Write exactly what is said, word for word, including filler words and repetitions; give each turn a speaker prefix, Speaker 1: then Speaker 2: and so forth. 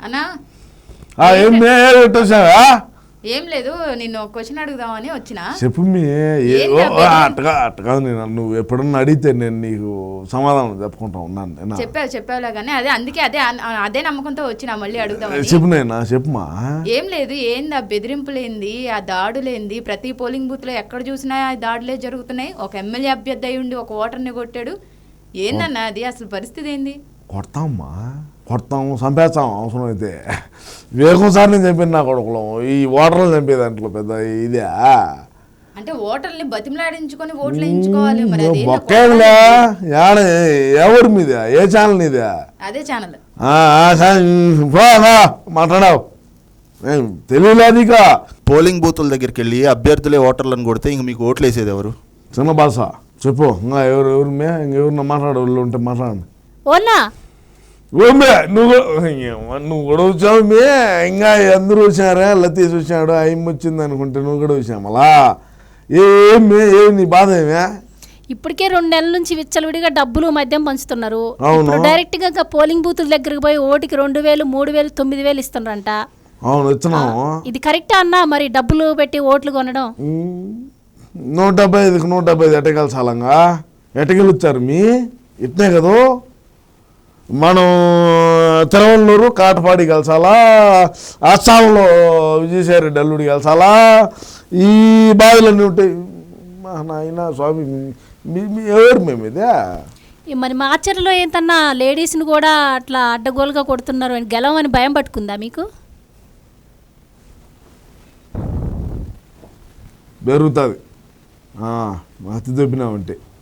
Speaker 1: అన్నా
Speaker 2: ఏం వచ్చావా?
Speaker 1: ఏం లేదు, నిన్ను క్వశ్చన్ అడుగుదామని వచ్చిన.
Speaker 2: చెప్పు మీ అట్టగా అట్టగా నేను నువ్వు ఎప్పుడన్నా అడిగితే నేను నీకు సమాధానం చెప్పుకుంటా ఉన్నాను.
Speaker 1: చెప్పావు చెప్పావులే కానీ అదే అందుకే అదే అదే నమ్మకంతో వచ్చినా మళ్ళీ అడుగుదామని.
Speaker 2: చెప్పు నేనా చెప్పుమా.
Speaker 1: ఏం లేదు, ఏంది ఆ బెదిరింపులేంది, ఆ దాడులేంది? ప్రతి పోలింగ్ బూత్ లో ఎక్కడ చూసినా ఆ దాడులే జరుగుతున్నాయి. ఒక ఎమ్మెల్యే అభ్యర్థి అయి ఉండి ఒక ఓటర్ని కొట్టాడు. ఏందన్నా అది అసలు పరిస్థితి ఏంది?
Speaker 2: కొడతామమ్మా, కొడతాము, చంపేస్తాం అవసరం అయితే. వేగం సార్ నేను చంపిన నా కొడుకులు ఈ ఓటర్లు చంపే దాంట్లో పెద్ద ఇదే.
Speaker 1: అంటే ఓటర్ని బతిమలాడించుకొని ఓట్లు వేయించుకోవాలి. మరి
Speaker 2: ఎవరి మీద? ఏ ఛానల్ నీదే?
Speaker 1: అదే ఛానల్.
Speaker 2: మాట్లాడావు తెలియలేదిక.
Speaker 3: పోలింగ్ బూతుల దగ్గరికి వెళ్ళి అభ్యర్థులే ఓటర్లను కొడితే ఇంక మీకు ఓట్లు వేసేది ఎవరు?
Speaker 2: చిన్న భాష చెప్పు. ఇంకా ఎవరు ఎవరు మే ఇంకెవరన్నా మాట్లాడే వాళ్ళు ఉంటే మాట్లాడండి.
Speaker 4: ఓనా
Speaker 2: ఓమే నువ్వు నువ్వు కూడా వచ్చావు మే. ఇంకా అందరూ వచ్చారా? లతీష్ వచ్చాడు, అయ్యం వచ్చింది అనుకుంటే నువ్వు కూడా వచ్చామలా. ఏమే ఏమి నీ బాధ ఏమే?
Speaker 4: ఇప్పటికే రెండు నెలల నుంచి విచ్చలవిడిగా డబ్బులు మద్యం పంచుతున్నారు.
Speaker 2: అవును,
Speaker 4: డైరెక్ట్ గా పోలింగ్ బూతుల దగ్గరకు పోయి ఓటికి రెండు వేలు మూడు వేలు తొమ్మిది వేలు ఇస్తున్నారంట.
Speaker 2: అవును ఇస్తున్నాము.
Speaker 4: ఇది కరెక్టా అన్నా? మరి డబ్బులు పెట్టి ఓట్లు కొనడం?
Speaker 2: నూట డెబ్బై ఐదుకి నూట డెబ్బై ఐదు ఎట్టగలసాలంగా ఎట్టగెలుస్తారు మీ ఇట్నే కదా. మనం తిరువల్లూరు కాటపాడి కలసాలా, అస్సాంలో విజయసాయిరెడ్డి అల్లుడి కలసాలా, ఈ బాధలన్నీ ఉంటాయి. మా నాయన స్వామి ఎవరు మేము ఇదే.
Speaker 4: మరి మాచర్లో ఏంటన్నా లేడీస్ని కూడా అట్లా అడ్డగోలుగా కొడుతున్నారు అని గెలవని భయం పట్టుకుందా మీకు?
Speaker 2: పెరుగుతుంది అతి దొబ్బినామంటే.